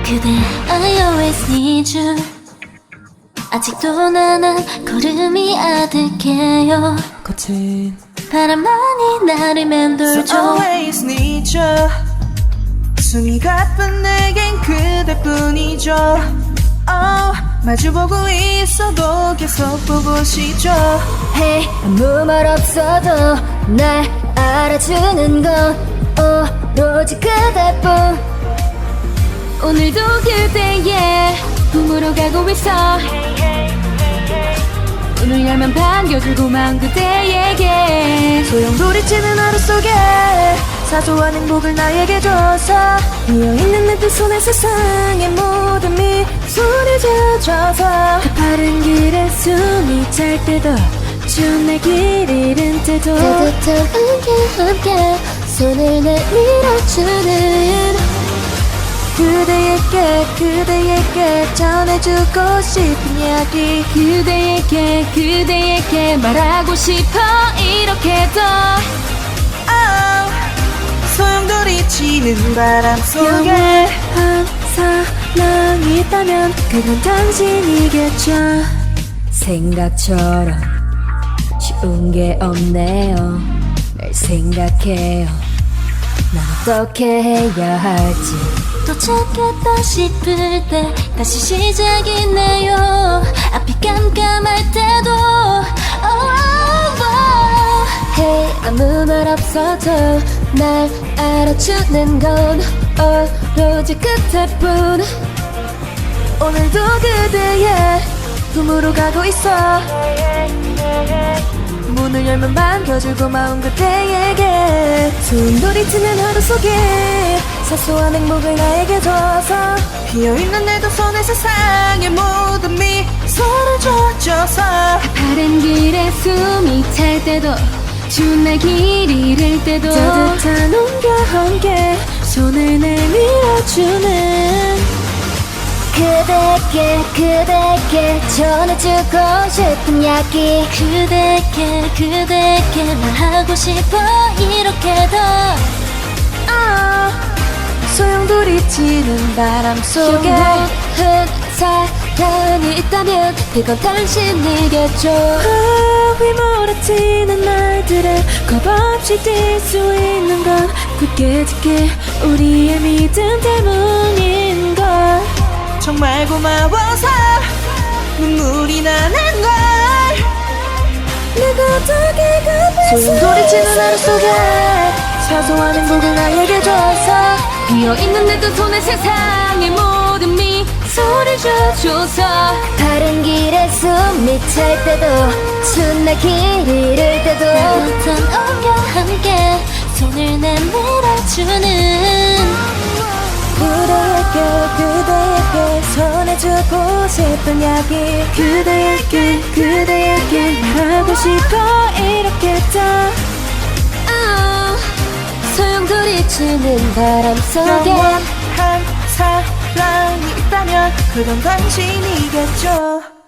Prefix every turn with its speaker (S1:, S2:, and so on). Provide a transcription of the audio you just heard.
S1: 그대 I always need you. 아직도 나는 걸음이 아득해요.
S2: 거친
S1: 바람만이 나를 맴돌죠.
S2: So always need you. 숨이 가쁜 내겐 그대뿐이죠. 마주보고 있어도 계속 보고 싶죠.
S1: Hey, 아무 말 없어도 날 알아주는 건 오로지 그대뿐. 오늘도 그대의 품으로 가고 있어. 오늘 열면 반겨줄 고마운 그대에게
S2: 소용돌이치는 하루 속에 사소한 행복을 나에게 줘서 비어있는 내 두 손에 세상의 모든 미소를 지어줘서
S1: 가파른 길에 숨이 찰 때도 추운 내 길 잃은 때도 따뜻한 함께 손을 내밀어주는
S2: 그대에게 전해주고 싶은 이야기
S1: 그대에게 말하고 싶어 이렇게도
S2: 소용돌이치는 바람 속에
S1: 영원한 사랑이 있다면 그건 당신이겠죠. 생각처럼 쉬운 게 없네요. 날 생각해요. 난 어떻게 해야 할지. 도착했다 싶을 때 다시 시작이네요. 앞이 깜깜할 때도 Hey, 아무 말 없어도 날 알아주는 건 오로지 그대뿐.
S2: 오늘도 그대의 품으로 가고 있어. 문을 열면 반겨줄 고마운 그대에게 소용돌이치는 하루 속에 사소한 행복을 나에게 줘서 비어있는 내 두 손에 세상의 모든 미소를 줘줘서
S1: 가파른 길에 숨이 찰 때도 추운 날 길 잃을 때도
S2: 따뜻한 온과 함께 손을 내밀어주는
S1: 그대에게 전해주고 싶은 이야기 그대에게 말하고 싶어 이렇게도
S2: 소용돌이치는 바람 속에
S1: 영원한 사랑이 있다면 그건 당신이겠죠.
S2: 휘몰아치는 날들에 겁없이 뛸 수 있는 건 굳게 짚게 우리의 믿음 때문인걸. 정말 고마워서 눈물이 나는 걸. 내가 어떻게 소용돌이치는 하루 속에 사소한 행복을 나에게 줘서
S1: 비어있는 내 두 손에 세상의 모든 미소를 줘줘서 다른 길에 숨이 찰 때도 추운 날 길 잃을 때도 따뜻한 온과 함께 손을 내밀어주는
S2: 그대에게 전해주고 싶은 이야기 그대에게 말하고 싶어 이렇게도
S1: 소용돌이치는 바람 속에
S2: 영원한 사랑이 있다면 그건 당신이겠죠.